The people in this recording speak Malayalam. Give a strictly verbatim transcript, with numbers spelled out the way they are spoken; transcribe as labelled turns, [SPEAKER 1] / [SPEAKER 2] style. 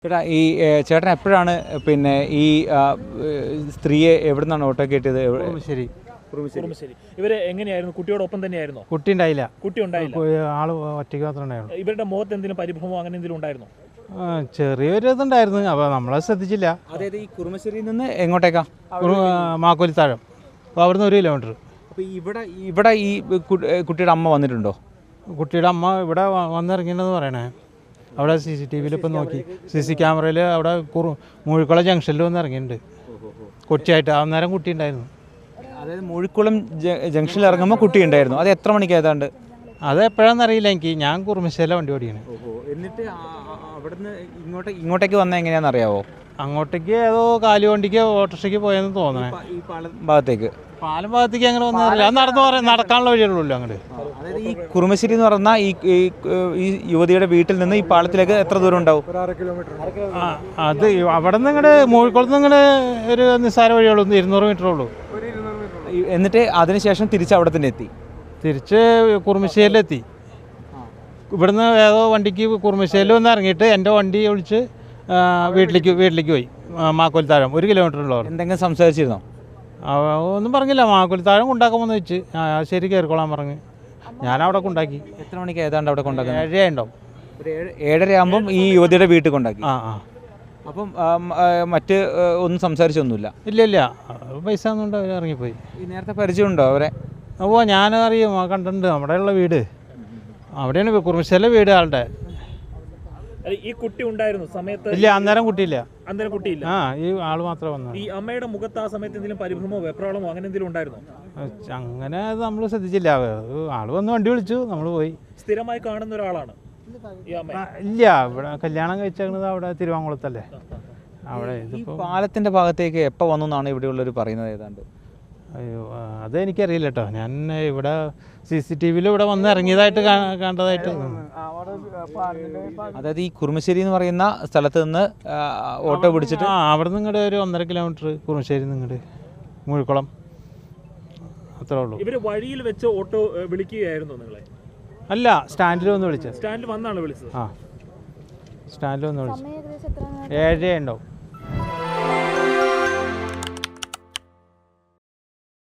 [SPEAKER 1] ചേട്ടാ ഈ ചേട്ടൻ എപ്പോഴാണ് പിന്നെ ഈ സ്ത്രീയെ എവിടെ നിന്നാണ് ഓട്ടോ കയറ്റിയത്?
[SPEAKER 2] ശരി
[SPEAKER 3] ശരി. ഇവര് എങ്ങനെയായിരുന്നു? കുട്ടിയോടൊപ്പം തന്നെയായിരുന്നോ?
[SPEAKER 2] കുട്ടി ഉണ്ടായില്ല.
[SPEAKER 3] കുട്ടി ഉണ്ടായില്ല.
[SPEAKER 2] ആള് ഒറ്റയ്ക്ക് മാത്രമേ ഉണ്ടായിരുന്നു.
[SPEAKER 3] ഇവരുടെ മുഖത്ത് എന്തെങ്കിലും പരിഭ്രമോ അങ്ങനെ എന്തെങ്കിലും ഉണ്ടായിരുന്നോ?
[SPEAKER 2] ചെറിയൊരു ഇതുണ്ടായിരുന്നു, അപ്പോൾ നമ്മളെ ശ്രദ്ധിച്ചില്ല.
[SPEAKER 1] അതായത് ഈ കുറുമശ്ശേരിയിൽ നിന്ന് എങ്ങോട്ടേക്കാ?
[SPEAKER 2] മാക്കോലിത്താഴം. അപ്പോൾ അവിടുന്ന് ഒരു കിലോമീറ്റർ.
[SPEAKER 1] അപ്പോൾ ഇവിടെ ഇവിടെ ഈ കുട്ടിയുടെ അമ്മ വന്നിട്ടുണ്ടോ?
[SPEAKER 2] കുട്ടിയുടെ അമ്മ ഇവിടെ വന്നിറങ്ങിയെന്ന് പറയണേ. അവിടെ സി സി ടി വിയിൽ ഇപ്പം നോക്കി, സി സി ക്യാമറയിൽ അവിടെ കുറു മൂഴിക്കുളം ജംഗ്ഷനിൽ വന്ന് ഇറങ്ങിയിട്ടുണ്ട് കൊച്ചിയായിട്ട്. അന്നേരം കുട്ടി ഉണ്ടായിരുന്നു.
[SPEAKER 1] അതായത് മൂഴിക്കുളം ജംഗ്ഷനിൽ ഇറങ്ങുമ്പോൾ കുട്ടി ഉണ്ടായിരുന്നു. അത് എത്ര മണിക്ക് ഏതാണ്ട്?
[SPEAKER 2] അത് എപ്പോഴാണെന്ന് അറിയില്ല എനിക്ക്. ഞാൻ കുറുമശ്ശേരിയിലെ വണ്ടി ഓടിയാണ്.
[SPEAKER 1] എന്നിട്ട് അവിടുന്ന് ഇങ്ങോട്ട് ഇങ്ങോട്ടേക്ക് വന്നാൽ എങ്ങനെയാണെന്ന് അറിയാവോ?
[SPEAKER 2] അങ്ങോട്ടേക്ക് ഏതോ കാലു വണ്ടിക്ക് ഓട്ടോറിക്ഷയ്ക്ക് പോയെന്ന് തോന്നണേ.
[SPEAKER 1] ഈ പാലം ഭാഗത്തേക്ക്
[SPEAKER 2] പാലം ഭാഗത്തേക്ക് അങ്ങനെ വന്നറിയില്ല. അത് നടന്നു പറയാൻ നടക്കാനുള്ള വഴിയുള്ളൂ അങ്ങോട്ട്.
[SPEAKER 1] അതായത് ഈ കുറുമശ്ശേരി എന്ന് പറഞ്ഞാൽ ഈ ഈ യുവതിയുടെ വീട്ടിൽ നിന്ന് ഈ പാലത്തിലേക്ക് എത്ര ദൂരം ഉണ്ടാവും?
[SPEAKER 2] അത് അവിടെ നിന്ന് ഇങ്ങോട്ട് മൂഴിക്കുളത്ത് നിന്ന് ഇങ്ങോട്ട് ഒരു നിസ്സാര വഴിയുള്ളൂ, ഇരുന്നൂറ് മീറ്റർ ഉള്ളൂ.
[SPEAKER 1] എന്നിട്ട് അതിനുശേഷം തിരിച്ച് അവിടെ തന്നെ എത്തി.
[SPEAKER 2] തിരിച്ച് കുറുമശ്ശേരിയിലെത്തി. ഇവിടുന്ന് ഏതോ വണ്ടിക്ക് കുറുമശ്ശേരിയിൽ വന്ന് ഇറങ്ങിയിട്ട് എൻ്റെ വണ്ടി വിളിച്ച് വീട്ടിലേക്ക് വീട്ടിലേക്ക് പോയി. മാക്കോലിത്താഴം ഒരു കിലോമീറ്റർ ഉള്ളവർ.
[SPEAKER 1] എന്തെങ്കിലും സംസാരിച്ചിരുന്നോ?
[SPEAKER 2] ഒന്നും പറഞ്ഞില്ല. മാക്കോലിത്താഴം കൊണ്ടാക്കാമെന്ന് വെച്ച് ശരി കയറിക്കോളാൻ പറഞ്ഞ് ഞാനവിടെ കൊണ്ടാക്കി.
[SPEAKER 1] എത്ര മണിക്ക് ഏതാണ്ട് അവിടെ കൊണ്ടാക്കി?
[SPEAKER 2] ഏഴര ഉണ്ടാവും.
[SPEAKER 1] ഒരു ഏഴ് ഏഴര ആകുമ്പം ഈ യുവതിയുടെ വീട്ടിൽ കൊണ്ടാക്കി.
[SPEAKER 2] ആ ആ
[SPEAKER 1] അപ്പം മറ്റ് ഒന്നും സംസാരിച്ചൊന്നുമില്ല?
[SPEAKER 2] ഇല്ല ഇല്ല, പൈസ ഒന്നും അവർ ഇറങ്ങിപ്പോയി.
[SPEAKER 1] ഈ നേരത്തെ പരിചയമുണ്ടോ അവരെ?
[SPEAKER 2] ഓ ഞാനറിയും, കണ്ടിട്ടുണ്ട്. അവിടെയുള്ള വീട് അവിടെയാണ്, കുറുമശ്ശേരിയിലെ വീട് ആളുടെ.
[SPEAKER 3] ഈ കുട്ടി ഉണ്ടായിരുന്നു സമയത്ത്?
[SPEAKER 2] ഇല്ല, അന്നേരം കുട്ടിയില്ല.
[SPEAKER 3] അന്നേരം കുട്ടിയില്ല.
[SPEAKER 2] ആ ഈ ആള് മാത്രമേ വന്നു.
[SPEAKER 3] ഈ അമ്മയുടെ മുഖത്ത് ആ സമയത്ത് എന്തെങ്കിലും പരിഭ്രമോ വെപ്രാളമോ അങ്ങനെ എന്തെങ്കിലും ഉണ്ടായിരുന്നോ?
[SPEAKER 2] അങ്ങനെ അത് നമ്മൾ ശ്രദ്ധിച്ചില്ല. ആള് വന്ന് വണ്ടി വിളിച്ചു, നമ്മൾ പോയി.
[SPEAKER 3] സ്ഥിരമായി കാണുന്ന ഒരാളാണ് ഈ അമ്മ?
[SPEAKER 2] ഇല്ല, ഇവിടെ കല്യാണം കഴിച്ചത് അവിടെ തിരുവാങ്കുളത്തല്ലേ. അവിടെ
[SPEAKER 1] ഈ പാലത്തിന്റെ ഭാഗത്തേക്ക് എപ്പോൾ വന്നു എന്നാണ് ഇവിടെയുള്ളവർ പറയുന്നത് ഏതാണ്ട്?
[SPEAKER 2] അയ്യോ അതെനിക്കറിയില്ല കേട്ടോ. ഞാൻ ഇവിടെ സി സി ടി വിയിൽ ഇവിടെ വന്ന് ഇറങ്ങിയതായിട്ട് കണ്ടതായിട്ട്.
[SPEAKER 1] അതായത് ഈ കുറുമശ്ശേരി എന്ന് പറയുന്ന സ്ഥലത്ത് നിന്ന് ഓട്ടോ പിടിച്ചിട്ട്
[SPEAKER 2] ആ അവിടെ നിന്ന് ഇങ്ങോട്ട് ഒരു ഒന്നര കിലോമീറ്റർ കുറുമശ്ശേരി നിങ്ങോട്ട് മൂഴിക്കുളം അത്രേ ഉള്ളൂ.
[SPEAKER 3] ഇവര് വഴിയിൽ വെച്ച് ഓട്ടോ വിളിക്കുകയായിരുന്നു നിങ്ങളെ?
[SPEAKER 2] അല്ല, സ്റ്റാൻഡിൽ വന്ന് വിളിച്ചത്.
[SPEAKER 3] സ്റ്റാൻഡിൽ വന്നാണ് വിളിച്ചത്?
[SPEAKER 2] ആ സ്റ്റാൻഡിൽ വന്ന് വിളിച്ചത്. ഏഴര ഉണ്ടാവും.